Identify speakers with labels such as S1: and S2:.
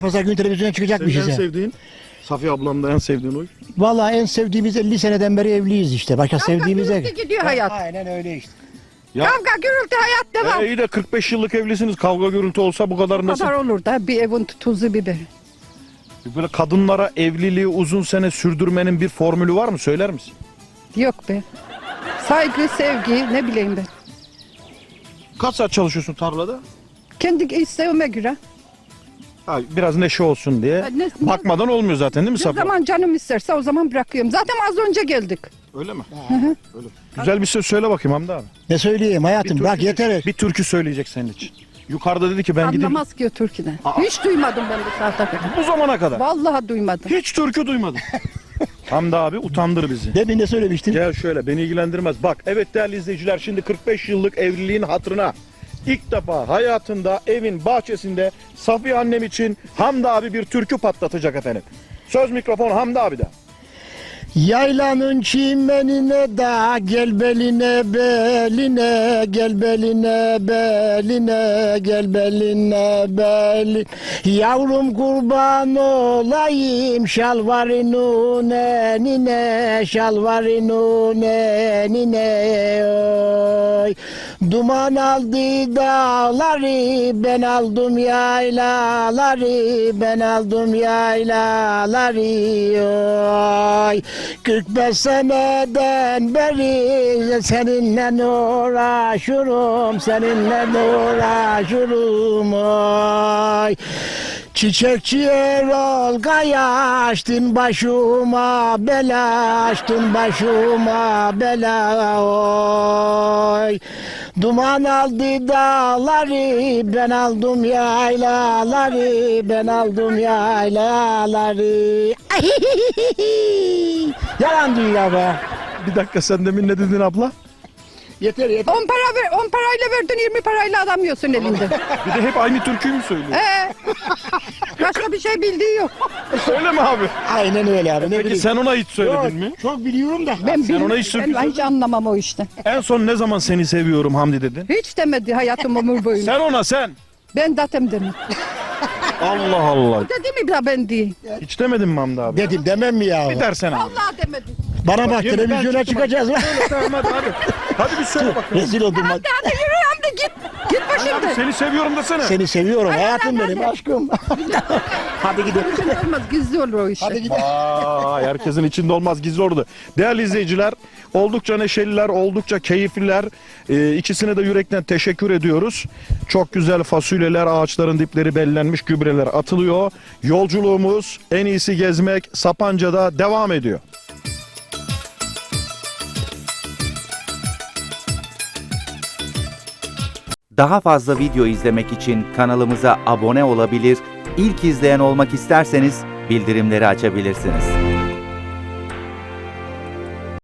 S1: Pazar günü televizyona çıkacakmışız
S2: Senin en
S1: ya.
S2: sevdiğin? Safiye ablamda en sevdiğin oy.
S1: Vallahi en sevdiğimiz 50 seneden beri evliyiz işte. Başka sevdiğimiz ev.
S3: Gürültü gidiyor hayat.
S1: Aynen öyle işte.
S2: Ya,
S3: Kavga gürültü hayat devam.
S2: iyi de 45 yıllık evlisiniz. Kavga gürültü olsa bu kadar
S3: Bu
S2: nasıl?
S3: kadar olur da bir evin tuzu biberi.
S2: Böyle kadınlara evliliği uzun sene sürdürmenin bir formülü var mı? Söyler misin?
S3: Yok be. Saygı, sevgi ne bileyim ben.
S2: Kaç saat çalışıyorsun tarlada?
S3: Kendi isteğime göre.
S2: Ha, biraz neşe olsun diye. Bakmadan olmuyor zaten değil mi
S3: Ne
S2: Safiye?
S3: zaman canım isterse o zaman bırakıyorum. Zaten az önce geldik.
S2: Öyle mi? Öyle. Güzel bir söz söyle bakayım Hamdi abi.
S1: Ne söyleyeyim hayatım
S2: Bir
S1: bak
S2: türkü-
S1: yeter.
S2: Bir türkü söyleyecek senin için. Yukarıda dedi ki ben gideyim.
S3: Anlamaz ki o türküden.
S2: Aa.
S3: Hiç duymadım ben bu saate kadar.
S2: Bu zamana kadar.
S3: Vallahi duymadım.
S2: Hiç türkü duymadım. Hamdi abi utandır bizi.
S1: Demin ne söylemiştin?
S2: Gel şöyle, beni ilgilendirmez. Bak evet değerli izleyiciler, şimdi 45 yıllık evliliğin hatırına ilk defa hayatında evin bahçesinde Safiye annem için Hamdi abi bir türkü patlatacak efendim. Söz mikrofon Hamdi abi'de.
S1: Yaylanın çimenine da gel beline beline gel beline beline gel beline belin. Yavrum kurban olayım şalvarının enine şalvarının enine oy. Duman aldı dağları ben aldım yaylaları ben aldım yaylaları oy. 45 seneden beri seninle uğraşırım, seninle uğraşırım oy. Çiçekçi Erol Kaya açtın başıma bela, açtın başıma bela oy. Duman aldı dağları, ben aldım yaylaları, ben aldım yaylaları. Yalan dünya be.
S2: Bir dakika, sen demin ne dedin abla?
S1: Yeter yeter.
S3: 10 parayla verdin 20 parayla adam yiyorsun elinde.
S2: Bir de hep aynı türküyü mü söylüyor?
S3: Başka bir şey bildiği yok.
S2: Öyle mi abi?
S1: Aynen öyle abi. Ne
S2: Peki
S1: bileyim.
S2: sen ona hiç söyledin
S1: Yok,
S2: mi?
S1: çok biliyorum da.
S3: Ben
S2: Sen ona hiç
S3: bilmiyorum.
S2: türkü
S3: Ben hiç anlamam o işten.
S2: En son ne zaman seni seviyorum Hamdi dedin?
S3: Hiç demedi hayatım ömür boyunca.
S2: Sen ona sen.
S3: Ben datem dedim.
S2: Allah Allah.
S3: Dedi mi bir ben değil.
S2: Hiç demedin mi Hamdi abi?
S1: Dedim demem mi ya?
S2: Bir dersen abi.
S3: Vallahi demedi.
S1: Bana bak
S2: Yemin, ben
S1: televizyona
S2: çıktım.
S1: çıkacağız lan.
S2: Tamam hadi. Hadi bir söyle bakalım.
S1: Rezil oldum bak.
S3: Hadi yürü Hamdi git. Git
S2: Abi
S3: başımdan.
S2: seni seviyorum desene.
S1: Seni seviyorum hayatım
S3: hadi,
S1: benim
S3: hadi.
S1: aşkım. Hadi gidelim.
S3: Olmaz gizli olur o iş.
S1: Hadi gidelim.
S2: Vay, herkesin içinde olmaz, gizli ordu. Değerli izleyiciler, oldukça neşeliler, oldukça keyifliler. İkisine de yürekten teşekkür ediyoruz. Çok güzel fasulyeler, ağaçların dipleri bellenmiş, gübreler atılıyor. Yolculuğumuz en iyisi gezmek Sapanca'da devam ediyor.
S4: Daha fazla video izlemek için kanalımıza abone olabilir, ilk izleyen olmak isterseniz bildirimleri açabilirsiniz.